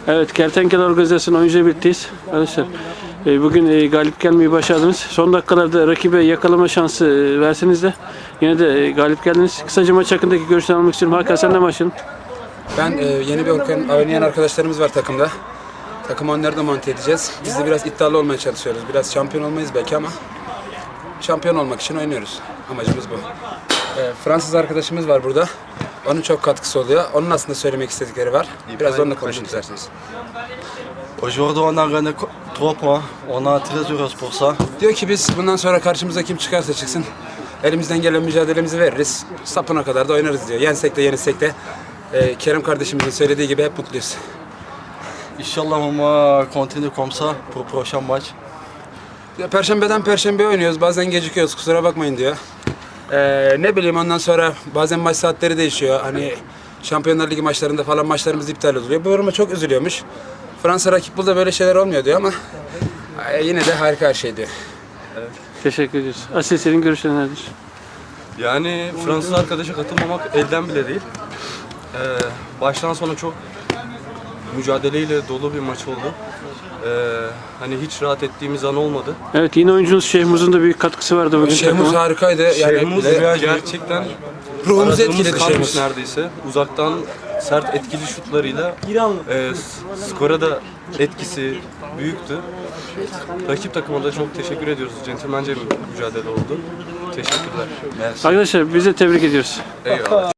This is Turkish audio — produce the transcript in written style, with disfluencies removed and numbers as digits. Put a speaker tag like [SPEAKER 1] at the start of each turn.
[SPEAKER 1] Evet, Kertenkele Organizasyon oyuncu birlikteyiz. Arkadaşlar, bugün galip gelmeyi başardınız. Son dakikalarda rakibe yakalama şansı verseniz de yine de galip geldiniz. Kısaca maç hakkındaki görüşlerini almak istiyorum. Hakan, sen de başlayalım.
[SPEAKER 2] Ben yeni bir oynayan arkadaşlarımız var takımda. Takımı onları da monte edeceğiz. Biz de biraz iddialı olmaya çalışıyoruz. Biraz şampiyon olmayız belki ama şampiyon olmak için oynuyoruz. Amacımız bu. Fransız arkadaşımız var burada. Onun çok katkısı oluyor. Onun aslında söylemek istedikleri var. Biraz onunla konuşun isterseniz.
[SPEAKER 3] Aujourd'hui on a gagné 3 points. On a très heureux pour ça.
[SPEAKER 2] Diyor ki biz bundan sonra karşımıza kim çıkarsa çıksın elimizden gelen mücadelemizi veririz. Sapına kadar da oynarız diyor. Yensek de yenilsek de Kerem kardeşimizin söylediği gibi hep mutluyuz.
[SPEAKER 3] Inch'Allah on va continuer comme ça pour prochain match.
[SPEAKER 2] Ya, Perşembeden Perşembeye oynuyoruz. Bazen gecikiyoruz. Kusura bakmayın diyor. Ne bileyim ondan sonra bazen maç saatleri değişiyor. Hani Şampiyonlar Ligi maçlarında falan maçlarımız iptal oluyor. Bu duruma çok üzülüyormuş. Fransa rakip burada böyle şeyler olmuyor diyor ama yine de harika her şey diyor.
[SPEAKER 1] Teşekkür ediyoruz. Asil, senin görüşlerin nedir?
[SPEAKER 4] Yani Fransız arkadaşa katılmamak elden bile değil. Baştan sona çok mücadeleyle dolu bir maç oldu. Hani hiç rahat ettiğimiz an olmadı.
[SPEAKER 1] Evet, yine oyuncunuz Şehmuz'un da büyük katkısı vardı bugün
[SPEAKER 2] Şehmuz
[SPEAKER 1] takıma.
[SPEAKER 2] harikaydı. Yani
[SPEAKER 4] Şehmuz gerçekten
[SPEAKER 2] ruhumuzu
[SPEAKER 4] aradığımız
[SPEAKER 2] etkiledi
[SPEAKER 4] kalmış
[SPEAKER 2] Şehmuz.
[SPEAKER 4] neredeyse. Uzaktan sert etkili şutlarıyla skora da etkisi büyüktü. Rakip takıma da çok teşekkür ediyoruz. Centilmence bir mücadele oldu. Teşekkürler.
[SPEAKER 1] Arkadaşlar, biz de tebrik ediyoruz.
[SPEAKER 4] Eyvallah.